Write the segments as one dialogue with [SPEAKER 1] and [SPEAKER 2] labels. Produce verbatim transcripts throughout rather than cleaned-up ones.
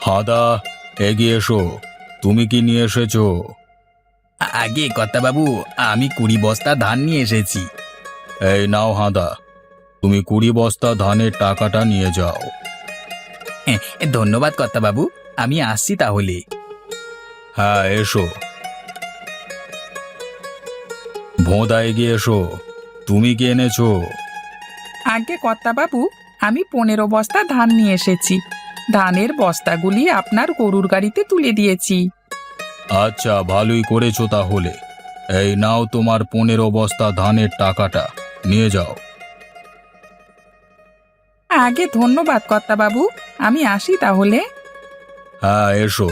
[SPEAKER 1] হাদা, এগিয়ে এসো। তুমি কি নিয়ে এসেছো?
[SPEAKER 2] আগে কর্তাবাবু, আমি কুড়ি বস্তা ধান নিয়ে এসেছি।
[SPEAKER 1] এই নাও হাদা, তুমি কুড়ি বস্তা ধানের টাকাটা নিয়ে যাও।
[SPEAKER 2] হ্যাঁ, ধন্যবাদ কর্তাবাবু, আমি আসছি তাহলে।
[SPEAKER 1] হ্যাঁ, এসো। ভোঁদা, এগিয়ে এসো। তুমি কি এনেছো?
[SPEAKER 3] আগে কর্তাবাবু, আমি পনেরো বস্তা ধান নিয়ে এসেছি। ধানের বস্তাগুলি আপনার গরুর গাড়িতে তুলে দিয়েছি।
[SPEAKER 1] আচ্ছা, ভালোই করেছো তাহলে। এই নাও তোমার পনেরো বস্তা ধানের টাকাটা, নিয়ে যাও।
[SPEAKER 3] আগে ধন্যবাদ কর্তাবাবু, আমি আসি তাহলে।
[SPEAKER 1] হ্যাঁ, এসো।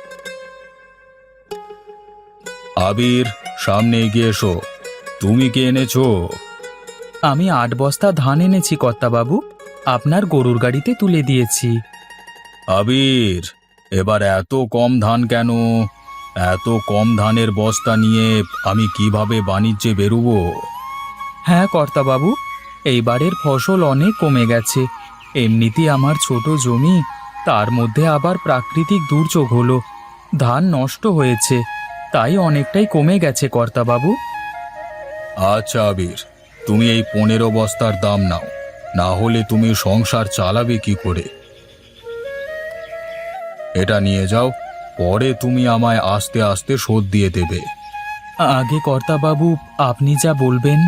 [SPEAKER 1] আবির, সামনে এগিয়ে এসো। তুমি কি এনেছো?
[SPEAKER 3] আমি আট বস্তা ধান এনেছি কর্তাবাবু, আপনার গরুর গাড়িতে তুলে দিয়েছি।
[SPEAKER 1] আবির, এবার এত কম ধান কেন? এত কম ধানের বস্তা নিয়ে আমি কিভাবে বাণিজ্যে বেরোবো?
[SPEAKER 3] হ্যাঁ কর্তাবাবু, এইবারের ফসল অনেক কমে গেছে। এমনিতেই আমার ছোট জমি, তার মধ্যে আবার প্রাকৃতিক দুর্যোগ হলো, ধান নষ্ট হয়েছে, তাই অনেকটাই কমে গেছে কর্তাবাবু।
[SPEAKER 1] আচ্ছা আবির, তুমি এই পনেরো বস্তার দাম নাও, না হলে তুমি সংসার চালাবে কি করে? এটা নিয়ে যাও, পরে তুমি আমায় আস্তে আস্তে শোধ দিয়ে দেবে।
[SPEAKER 3] আগে কর্তাবাবু, আপনি যা বলবেন।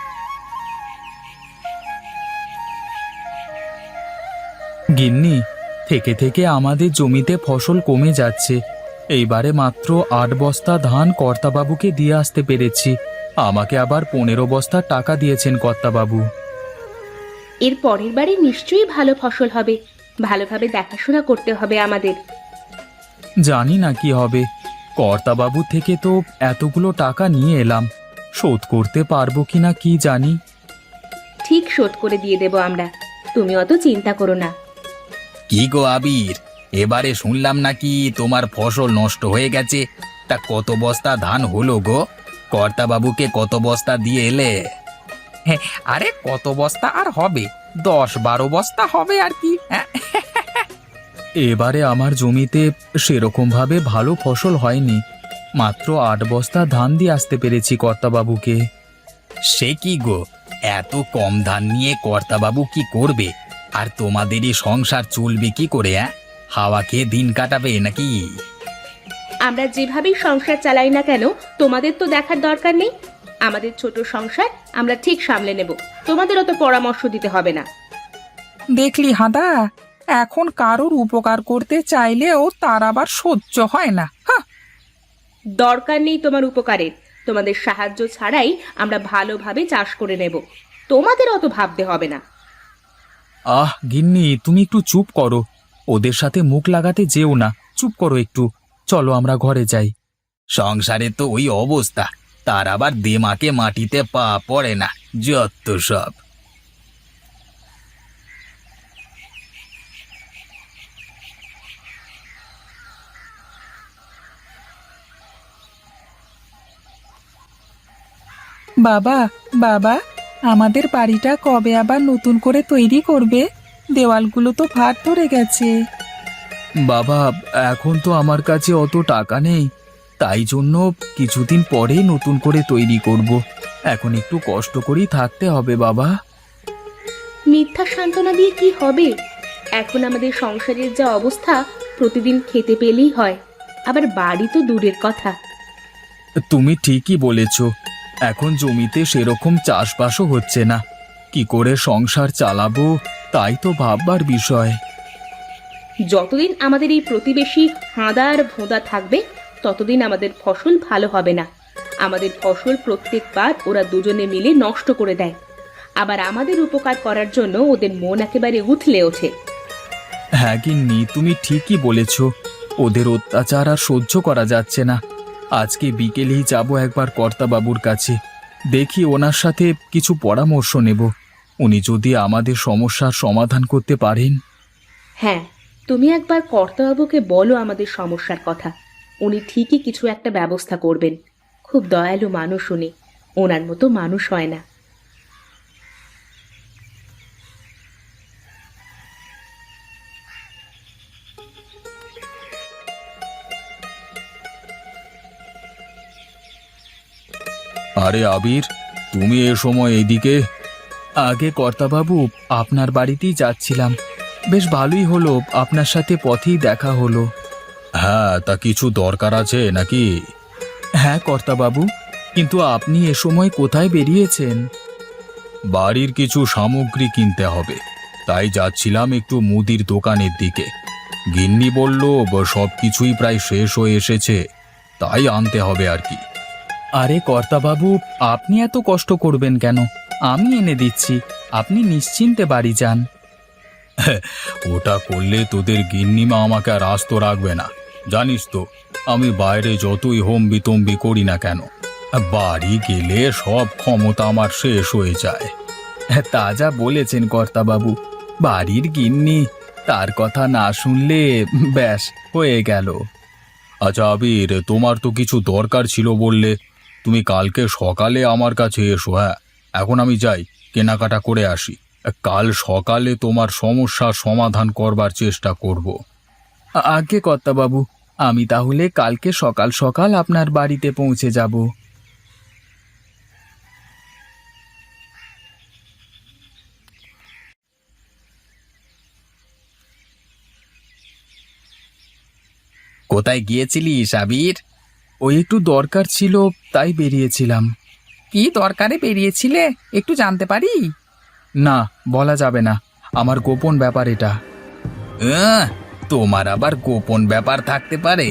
[SPEAKER 3] গিন্নি, থেকে থেকে আমাদের জমিতে ফসল কমে যাচ্ছে। এইবারে মাত্র আট বস্তা ধান কর্তাবাবুকে দিয়ে আসতে পেরেছি। আমাকে আবার পনেরো বস্তা টাকা দিয়েছেন কর্তাবাবু।
[SPEAKER 4] এর পরের বারে নিশ্চয়ই ভালো ফসল হবে। ভালোভাবে দেখাশোনা করতে হবে আমাদের।
[SPEAKER 3] জানি না কি হবে, কর্তাবাবু থেকে তো এতগুলো টাকা নিয়ে এলাম, শোধ করতে পারবো কিনা কি জানি।
[SPEAKER 4] ঠিক শোধ করে দিয়ে দেব আমরা, তুমি অত চিন্তা করো না।
[SPEAKER 2] কি গো আবির, এবারে শুনলাম নাকি তোমার ফসল নষ্ট হয়ে গেছে। তা কত বস্তা ধান হলো গো? কর্তাবাবুকে কত বস্তা দিয়ে এলে?
[SPEAKER 3] হ্যাঁ, আরে কত বস্তা আর হবে, দশ বারো বস্তা হবে আর কি। হ্যাঁ। এবারে আমার জমিতে সেরকম ভাবে ভালো ফসল হয়নি, মাত্র আট বস্তা ধান দিয়ে আসতে পেরেছি কর্তাবাবুকে।
[SPEAKER 2] সে কি গো, এত কম ধান নিয়ে কর্তাবাবু কি করবে? আর তোমাদেরই সংসার চলবে কি করে? হ্যাঁ, হাওয়া খেয়ে দিন কাটাবে নাকি?
[SPEAKER 4] আমরা যেভাবেই সংসার চালাই না কেন, তোমাদের তো দেখার দরকার নেই। আমাদের ছোট সংসার আমরা ঠিক সামলে নেব, তোমাদের অত পরামর্শ দিতে হবে না।
[SPEAKER 3] দেখলি হাদা, এখন কারোর উপকার করতে চাইলেও তার আবার সহ্য হয় না। হ্যাঁ,
[SPEAKER 4] দরকার নেই তোমার উপকারের, তোমাদের সাহায্য ছাড়াই আমরা ভালোভাবে চাষ করে নেব, তোমাদের অত ভাবতে হবে না।
[SPEAKER 3] আহ গিন্নি, তুমি একটু চুপ করো, ওদের সাথে মুখ লাগাতে যেও না, চুপ করো একটু। চলো আমরা ঘরে যাই।
[SPEAKER 2] সংসারে তো ওই অবস্থা, তার আবার দেমাকে মাটিতে পা পড়ে না, যত সব।
[SPEAKER 3] বাবা, বাবা, আমাদের বাড়িটা কবে আবার নতুন করে তৈরি করবে? দেওয়ালগুলো তো ভার ধরে গেছে। বাবা, এখন তো আমার কাছে অত টাকা নেই, তাই জন্য কিছুদিন পরেই নতুন করে তৈরি করব। এখন একটু কষ্ট করেই থাকতে হবে বাবা।
[SPEAKER 4] মিথ্যা সান্ত্বনা দিয়ে কি হবে? এখন আমাদের সংসারের যা অবস্থা, প্রতিদিন খেতে পেলেই হয়, আবার বাড়ি তো দূরের কথা।
[SPEAKER 3] তুমি ঠিকই বলেছ, এখন জমিতে সেরকম চাষবাসও হচ্ছে না, কি করে সংসার চালাবো তাই তো ভাববার বিষয়।
[SPEAKER 4] যতদিন আমাদের এই প্রতিবেশী হাঁদা আর ভোঁদা থাকবে, ততদিন আমাদের ফসল ভালো হবে না। আমাদের ফসল প্রত্যেকবার ওরা দুজনে মিলে নষ্ট করে দেয়, আবার আমাদের উপকার করার জন্য ওদের মন একেবারে উথলে ওঠে।
[SPEAKER 3] হ্যাঁ গিন্নি, তুমি ঠিকই বলেছ, ওদের অত্যাচার আর সহ্য করা যাচ্ছে না। আজকে বিকেলেই যাব একবার কর্তাবাবুর কাছে, দেখি ওনার সাথে কিছু পরামর্শ নেব, উনি যদি আমাদের সমস্যার সমাধান করতে পারেন।
[SPEAKER 4] হ্যাঁ, তুমি একবার কর্তাবাবুকে বলো আমাদের সমস্যার কথা, উনি ঠিকই কিছু একটা ব্যবস্থা করবেন। খুব দয়ালু মানুষ উনি, ওনার মতো মানুষ হয় না।
[SPEAKER 1] আরে আবির, তুমি এ সময় এইদিকে?
[SPEAKER 3] আগে কর্তাবাবু, আপনার বাড়িতেই যাচ্ছিলাম। বেশ ভালোই হলো, আপনার সাথে পথেই দেখা হলো।
[SPEAKER 1] হ্যাঁ, তা কিছু দরকার আছে নাকি?
[SPEAKER 3] হ্যাঁ কর্তাবাবু, কিন্তু আপনি এ সময় কোথায় বেরিয়েছেন?
[SPEAKER 1] বাড়ির কিছু সামগ্রী কিনতে হবে, তাই যাচ্ছিলাম একটু মুদির দোকানের দিকে। গিন্নি বলল সব কিছুই প্রায় শেষ হয়ে এসেছে, তাই আনতে হবে আর কি।
[SPEAKER 3] আরে কর্তাবাবু, আপনি এত কষ্ট করবেন কেন? আমি এনে দিচ্ছি, আপনি নিশ্চিন্তে বাড়ি যান।
[SPEAKER 1] ওটা করলে তোদের গিন্নিমা আমাকে আর আস্ত রাখবে না। জানিস তো, আমি বাইরে যতই হোম বিতম্বি করি না কেন, বাড়ি গেলে সব ক্ষমতা আমার শেষ হয়ে যায়।
[SPEAKER 3] তা যা বলেছেন কর্তাবাবু, বাড়ির গিন্নি, তার কথা না শুনলে ব্যাস হয়ে গেল।
[SPEAKER 1] আচ্ছা আবির, তোমার তো কিছু দরকার ছিল বললে, তুমি কালকে সকালে আমার কাছে এসো। হ্যাঁ, এখন আমি যাই, কেনাকাটা করে আসি। কাল সকালে তোমার সমস্যার সমাধান করবার চেষ্টা করব।
[SPEAKER 3] আ- আগে কর্তাবাবু, আমি তাহলে কালকে সকাল সকাল আপনার বাড়িতে পৌঁছে যাব।
[SPEAKER 2] কোথায় গিয়েছিলিস আবির?
[SPEAKER 3] ওই একটু দরকার ছিল, তাই বেরিয়েছিলাম।
[SPEAKER 2] কি দরকারে বেরিয়েছিলে, একটু জানতে পারি?
[SPEAKER 3] না, বলা যাবে না, আমার গোপন ব্যাপার এটা।
[SPEAKER 2] আহ, তোমার আবার গোপন ব্যাপার থাকতে পারে?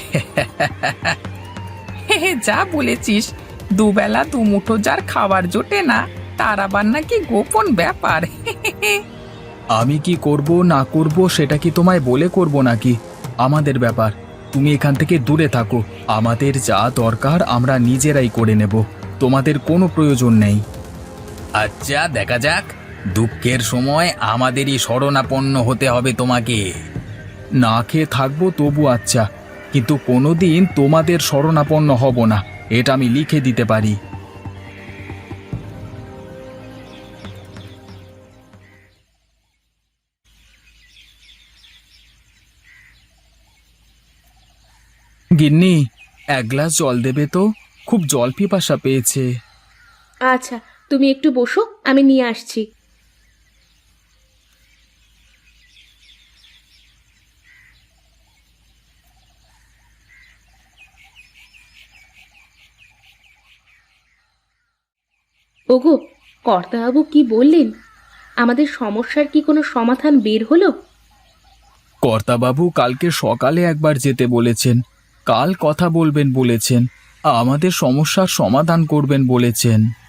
[SPEAKER 2] হ্যাঁ, যা বলেছিস, দুবেলা দুমুঠো যার খাবার জোটে না, তার আবার নাকি গোপন ব্যাপার।
[SPEAKER 3] আমি কি করব না করব সেটা কি তোমায় বলে করব নাকি? আমাদের ব্যাপার, তুমি এখান থেকে দূরে থাকো। আমাদের যা দরকার আমরা নিজেরাই করে নেব, তোমাদের কোনো প্রয়োজন নেই।
[SPEAKER 2] আচ্ছা, দেখা যাক। দুঃখের সময় আমাদেরই শরণাপন্ন হতে হবে তোমাকে।
[SPEAKER 3] না খেয়ে থাকবো তবু আচ্ছা, কিন্তু কোনোদিন তোমাদের শরণাপন্ন হব না, এটা আমি লিখে দিতে পারি। গিন্নি, এক গ্লাস জল দেবে তো? খুব জল পিপাসা পেয়েছে।
[SPEAKER 4] আচ্ছা, তুমি একটু বসো, আমি নিয়ে আসছি। ওগো, কর্তাবাবু কি বললেন? আমাদের সমস্যার কি কোনো সমাধান বের হলো?
[SPEAKER 3] কর্তাবাবু কালকে সকালে একবার যেতে বলেছেন, কাল কথা বলবেন বলেছেন, আমাদের সমস্যার সমাধান করবেন বলেছেন।